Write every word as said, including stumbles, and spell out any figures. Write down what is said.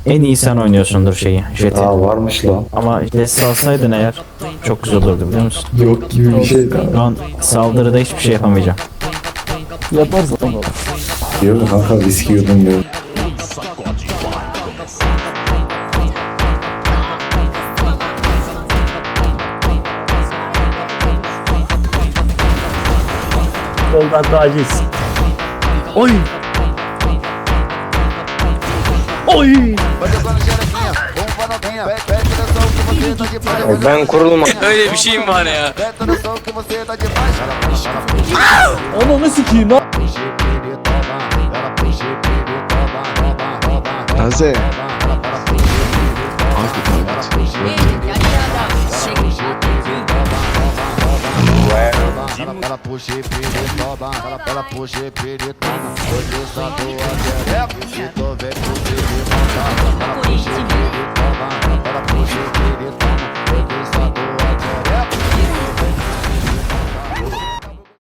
En iyi sen oynuyorsundur şeyi, jeti. Aa varmış lan. Ama Jess alsaydın eğer çok güzel olurdu biliyor musun? Yok gibi bir şey Şu an saldırıda hiçbir şey yapamayacağım. Yaparız ama. Diyor kanka viski yudum diyor. Yoldan taciz. Oy. Oy. Ben kurulma. Öyle bir şeyim var ya. Ananı sikeyim lan. Taze. Ela puxa e pede toma, ela puxa e pede toma. Hoje só tô a xereca, se tu vem pro